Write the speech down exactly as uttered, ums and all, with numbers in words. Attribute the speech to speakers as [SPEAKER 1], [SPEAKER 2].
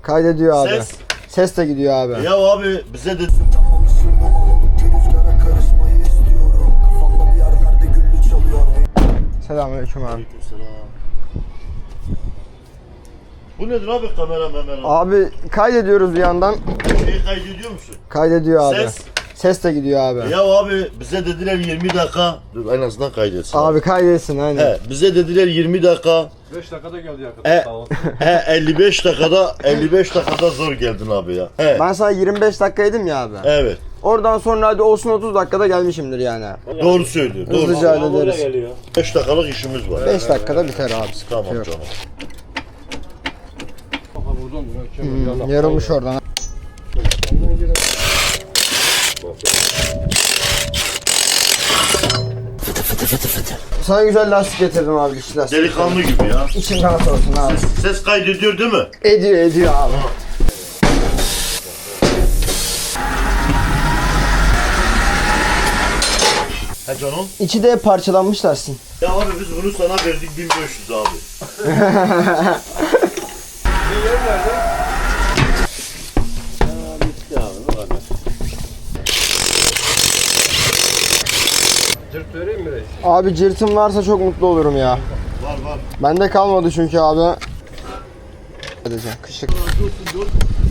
[SPEAKER 1] Kaydediyor abi.
[SPEAKER 2] Ses.
[SPEAKER 1] Ses de gidiyor abi.
[SPEAKER 2] Ya abi bize de...
[SPEAKER 1] Selamünaleyküm abi.
[SPEAKER 2] Aleykümselam. Bu nedir abi kamera memera?
[SPEAKER 1] Abi kaydediyoruz bir yandan.
[SPEAKER 2] Şeyi kaydediyor musun?
[SPEAKER 1] Kaydediyor abi.
[SPEAKER 2] Ses.
[SPEAKER 1] Ses de gidiyor abi.
[SPEAKER 2] Ya abi bize dediler yirmi dakika. Dur en azından kaydetsin.
[SPEAKER 1] Abi kaydetsin aynen.
[SPEAKER 2] He, bize dediler yirmi dakika.
[SPEAKER 3] beş dakikada geldi yakın.
[SPEAKER 2] E,
[SPEAKER 3] Sağ ol.
[SPEAKER 2] he elli beş dakikada elli beş dakikada zor geldin abi ya. He.
[SPEAKER 1] Ben sana yirmi beş dakika dedim ya abi.
[SPEAKER 2] Evet.
[SPEAKER 1] Oradan sonra hadi olsun otuz dakikada gelmişimdir yani.
[SPEAKER 2] Doğru söylüyor. Doğru.
[SPEAKER 1] Hızlıca
[SPEAKER 3] Sağ ol,
[SPEAKER 1] hallederiz.
[SPEAKER 3] geliyor.
[SPEAKER 2] beş dakikalık işimiz var.
[SPEAKER 1] beş dakikada biter abi. Sıkıntı
[SPEAKER 2] Tamam
[SPEAKER 1] yok.
[SPEAKER 2] canım.
[SPEAKER 3] Bak buradan dur.
[SPEAKER 1] Hmm, yarılmış oradan. Sana güzel lastik getirdim abi, güçlü lastik.
[SPEAKER 2] Delikanlı gibi ya.
[SPEAKER 1] İçin rahat olsun abi.
[SPEAKER 2] Ses kaydediyor değil mi?
[SPEAKER 1] Ediyor ediyor abi.
[SPEAKER 2] He canım.
[SPEAKER 1] İçi de parçalanmış lastik.
[SPEAKER 2] Ya abi biz bunu sana verdik bin beş yüz abi.
[SPEAKER 3] Cırt vereyim mi reis?
[SPEAKER 1] Abi cırtım varsa çok mutlu olurum ya.
[SPEAKER 2] Var var.
[SPEAKER 1] Bende kalmadı çünkü abi. Edeceğim kışık.